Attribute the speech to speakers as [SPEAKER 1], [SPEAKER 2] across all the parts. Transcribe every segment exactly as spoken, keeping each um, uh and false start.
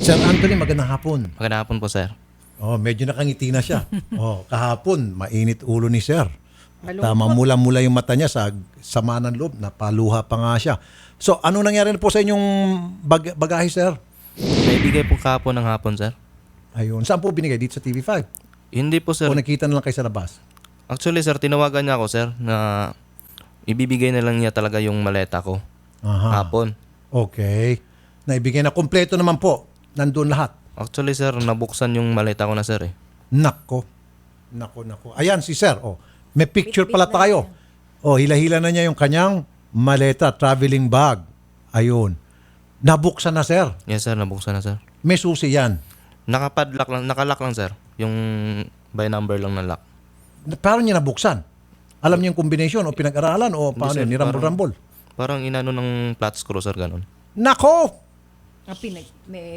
[SPEAKER 1] Sir Anthony, magandang hapon.
[SPEAKER 2] Magandang hapon po, sir.
[SPEAKER 1] Oh, medyo nakangiti na siya. Oh, kahapon, mainit ulo ni Sir. At uh, mamula-mula yung mata niya sa sama ng loob, napaluha pa nga siya. So, ano nangyari na po sa inyong bag- bagahe, Sir?
[SPEAKER 2] Naibigay po kahapon ng hapon, sir.
[SPEAKER 1] Ayun. Saan po binigay? Dito sa T V five?
[SPEAKER 2] Hindi po, sir.
[SPEAKER 1] O nakita na lang kayo sa labas?
[SPEAKER 2] Actually, sir, tinawagan niya ako, sir, na ibibigay na lang niya talaga yung maleta ko.
[SPEAKER 1] Aha.
[SPEAKER 2] Hapon.
[SPEAKER 1] Okay. Naibigay na. Kompleto naman po. Nandun lahat.
[SPEAKER 2] Actually, sir, nabuksan yung maleta ko na, sir, eh.
[SPEAKER 1] Nako. Nako, nako. Ayan si Sir. Oh, may picture pala tayo. Oh, hila-hila na niya yung kanyang maleta, traveling bag. Ayun. Nabuksan na, Sir.
[SPEAKER 2] Yes, sir, nabuksan na, sir.
[SPEAKER 1] May susi yan.
[SPEAKER 2] Nakapadlock lang, nakalock lang, sir. Yung by number lang na lock.
[SPEAKER 1] Paano niya nabuksan? Alam niya yung combination o pinag-aralan o paano
[SPEAKER 2] sir,
[SPEAKER 1] yun? Nirambol-rambol?
[SPEAKER 2] Parang inano ng flat screw, sir, ganun.
[SPEAKER 1] Nako!
[SPEAKER 3] Ah, pinag... May...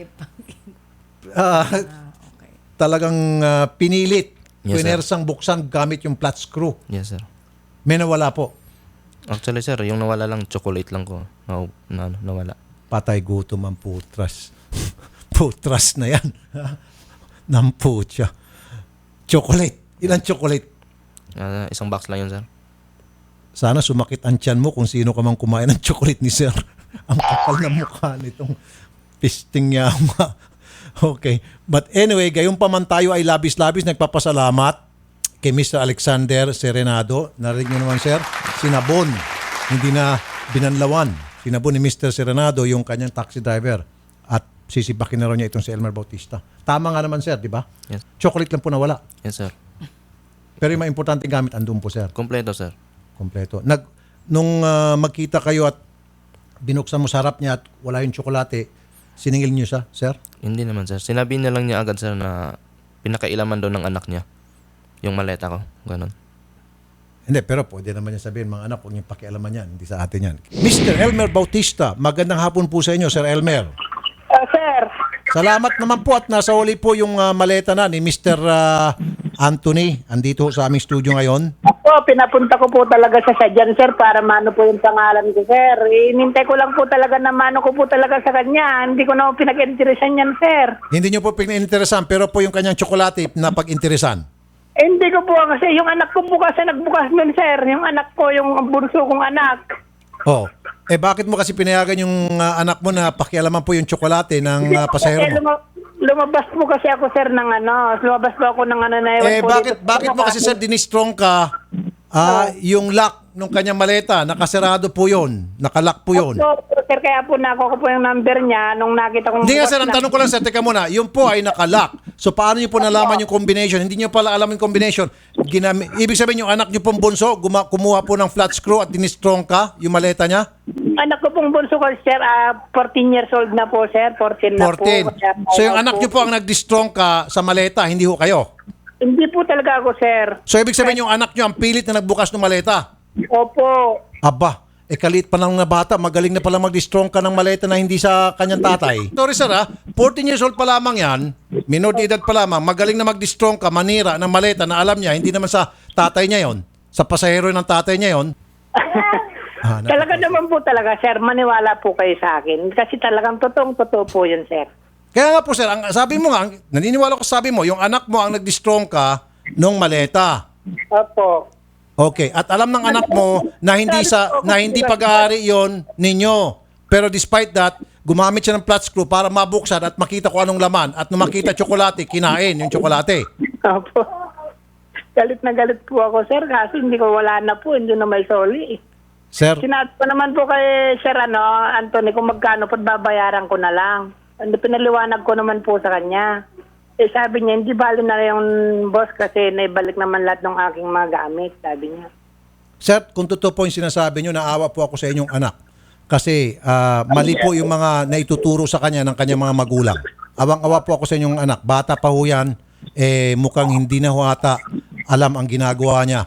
[SPEAKER 1] Ah,
[SPEAKER 3] ah, okay.
[SPEAKER 1] talagang ah, pinilit.
[SPEAKER 2] Yes, sir.
[SPEAKER 1] Pinersang buksan gamit yung flat screw.
[SPEAKER 2] Yes, sir.
[SPEAKER 1] May nawala po.
[SPEAKER 2] Actually, sir, yung nawala lang, chocolate lang ko. Na, na, ano, nawala.
[SPEAKER 1] Patay gutom ang putras. Putras na yan. Namputya. Chocolate. Ilan chocolate?
[SPEAKER 2] Ah, isang box lang yun, sir.
[SPEAKER 1] Sana sumakit ang tiyan mo kung sino ka mang kumain ng chocolate ni Sir. Ang kapal na mukha nitong pisting yama. Okay. But anyway, gayon pa man tayo ay labis-labis nagpapasalamat kay Mister Alexander Serenado. Narinig niyo naman, Sir, sinabon. Hindi na binanlawan. Sinabon ni Mister Serenado yung kanyang taxi driver at sisipakin na raw niya itong si Elmer Bautista. Tama nga naman, Sir, di ba?
[SPEAKER 2] Yes.
[SPEAKER 1] Chocolate lang po nawala.
[SPEAKER 2] Yes, sir.
[SPEAKER 1] Pero yung mga importante gamit andun po, Sir.
[SPEAKER 2] Kompleto, sir.
[SPEAKER 1] Kompleto. Nag, nung ah, magkita kayo at binuksan mo sa harap niya at wala yung tsokolate, siningil niyo siya, Sir?
[SPEAKER 2] Hindi naman, sir. Sinabi niya lang niya agad, sir, na pinakailaman daw ng anak niya. Yung maleta ko. Ganon.
[SPEAKER 1] Hindi, pero pwede naman niya sabihin, mga anak, huwag niyong pakialaman yan. Hindi sa atin yan. Mister Elmer Bautista, magandang hapon po sa inyo, Sir Elmer.
[SPEAKER 4] Uh, sir,
[SPEAKER 1] Salamat naman po at nasa huli po yung ah, maleta na ni Mister ah, Anthony. Andito sa aming studio ngayon.
[SPEAKER 4] ako, pinapunta ko po talaga sa sadyan, sir, para mano po yung pangalan ko, sir. Inintay ko lang po talaga na mano ko po talaga sa kanya. Hindi ko na po pinag-interesan yan, sir.
[SPEAKER 1] Hindi niyo po pinag-interesan, pero po yung kanyang tsokolate na pag-interesan.
[SPEAKER 4] Eh, hindi ko po kasi yung anak ko bukas na nagbukas nun, sir. Yung anak ko, yung bunso kong anak.
[SPEAKER 1] Oh. Eh bakit mo kasi pinayagan yung ah, anak mo na pakialaman po yung tsokolate ng uh, pasahero
[SPEAKER 4] Eh,
[SPEAKER 1] mo?
[SPEAKER 4] luma- lumabas po kasi ako, sir, ng ano. Lumabas po ako ng ano na ewan
[SPEAKER 1] Eh
[SPEAKER 4] po
[SPEAKER 1] bakit
[SPEAKER 4] dito.
[SPEAKER 1] bakit mo kasi sir dinistrong ka ah, yung lock nung kanyang maleta, nakasarado po 'yon, nakalock po 'yon.
[SPEAKER 4] So, sir, kaya po nakuha ko po yung number niya nung nakita kong...
[SPEAKER 1] Hindi nga
[SPEAKER 4] bukas
[SPEAKER 1] sir, ang
[SPEAKER 4] na-
[SPEAKER 1] tanong ko lang sir, teka muna, yung po ay nakalock. So paano niyo po nalaman yung combination? Hindi niyo pala alam yung combination. Ginami- Ibig sabihin yung anak niyo pong bunso, guma- kumuha po ng flat screw at dinistrong ka yung maleta niya?
[SPEAKER 4] Anak ko pong bunso ko, sir, ah, fourteen years old na po, sir. fourteen na
[SPEAKER 1] fourteen.
[SPEAKER 4] po. Kaya,
[SPEAKER 1] So yung
[SPEAKER 4] ayaw
[SPEAKER 1] anak niyo po ang nag-distrong ka sa maleta, hindi ho kayo?
[SPEAKER 4] Hindi po talaga ako, sir.
[SPEAKER 1] So ibig sabihin yung anak niyo ang pilit na nagbukas ng maleta?
[SPEAKER 4] Opo.
[SPEAKER 1] Aba, eh kalit pa lang na bata, magaling na pala mag-distrong ka ng maleta na hindi sa kanyang tatay. Sorry sir ha, fourteen years old pa lamang yan, minor de edad pa lamang, magaling na mag-distrong ka, manira ng maleta na alam niya, hindi naman sa tatay niya yon, sa pasahero ng tatay niya yon. Ah, nako.
[SPEAKER 4] Talaga naman po talaga, sir. Maniwala po kayo sa akin. Kasi talagang totoong-totoo po yun, sir.
[SPEAKER 1] Kaya nga po sir, ang, sabi mo nga, ang- naniniwala ko sa sabi mo, yung anak mo ang nag-distrong ka nung maleta.
[SPEAKER 4] Opo.
[SPEAKER 1] Okay, at alam ng anak mo na hindi sa na hindi pag-aari 'yon ninyo. Pero despite that, gumamit siya ng flat screw para mabuksan at makita kung anong laman at nung makita tsokolate, kinain yung tsokolate.
[SPEAKER 4] Opo. Galit na galit po ako, sir. Kasi hindi ko wala na po. Hindi na may soli.
[SPEAKER 1] Sir,
[SPEAKER 4] Sinabi ko naman po kay Sir ano, Anthony, kung magkano po babayaran ko na lang. Ano, pinaliwanag ko naman po sa kanya. Eh sabi niya, hindi bali na yung boss kasi naibalik naman lahat ng aking mga gamit, sabi niya.
[SPEAKER 1] sir, kung totoo po yung sinasabi nyo, naawa po ako sa inyong anak. Kasi ah, mali po yung mga naituturo sa kanya ng kanyang mga magulang. Awang-awa po ako sa inyong anak. Bata pa ho yan, eh, mukhang hindi na ho ata alam ang ginagawa niya.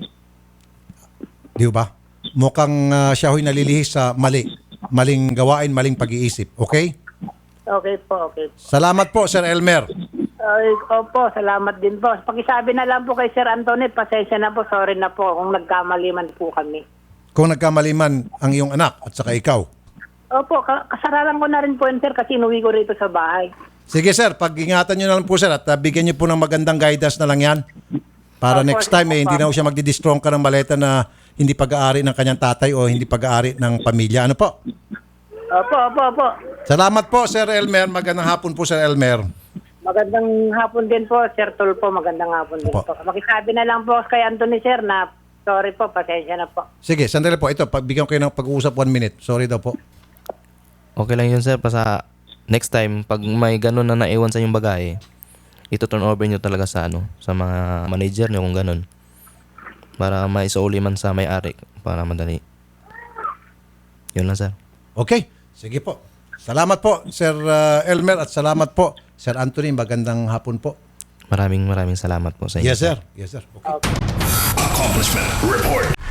[SPEAKER 1] Di ba? Mukhang ah, siya ho'y nalilihis sa mali. Maling gawain, maling pag-iisip. Okay?
[SPEAKER 4] Okay po, okay.
[SPEAKER 1] Salamat po, Sir Elmer.
[SPEAKER 4] Ay, opo, salamat din po. Pakisabi na lang po kay Sir Anthony, pasensya na po, sorry na po kung nagkamali man po kami.
[SPEAKER 1] Kung nagkamali man ang iyong anak at saka ikaw.
[SPEAKER 4] Opo, ka- kasaralan ko na rin po yun, sir, kasi inuwi ko rito sa bahay.
[SPEAKER 1] Sige sir, pag-ingatan nyo na lang po sir at uh, bigyan nyo po ng magandang guidance na lang yan. Para
[SPEAKER 4] Opo,
[SPEAKER 1] next time eh,
[SPEAKER 4] opo.
[SPEAKER 1] hindi na po siya magdidistrong ka ng maleta na hindi pag-aari ng kanyang tatay o hindi pag-aari ng pamilya. Ano po?
[SPEAKER 4] Opo, opo, opo.
[SPEAKER 1] Salamat po Sir Elmer. Magandang hapon po Sir Elmer.
[SPEAKER 4] Magandang hapon din po, Sir Tulpo. Magandang hapon din
[SPEAKER 1] Opo.
[SPEAKER 4] po. Makisabi na lang po kay Anthony, sir, na sorry po, pasensya na po.
[SPEAKER 1] Sige, sandali po. Ito, pagbigyan ko kayo ng pag-uusap one minute. Sorry daw po.
[SPEAKER 2] Okay lang yun sir, basta next time, pag may ganun na naiwan sa inyong bagay, ito turn over nyo talaga sa ano, sa mga manager nyo kung ganun. Para maisauli man sa may-ari, para madali. Yun lang sir.
[SPEAKER 1] Okay, sige po. Salamat po Sir uh, Elmer at salamat po Sir Anthony. Magandang hapon po.
[SPEAKER 2] Maraming maraming salamat po sa inyo.
[SPEAKER 1] Yes sir. Yes sir. Okay.
[SPEAKER 5] Accomplishment Report.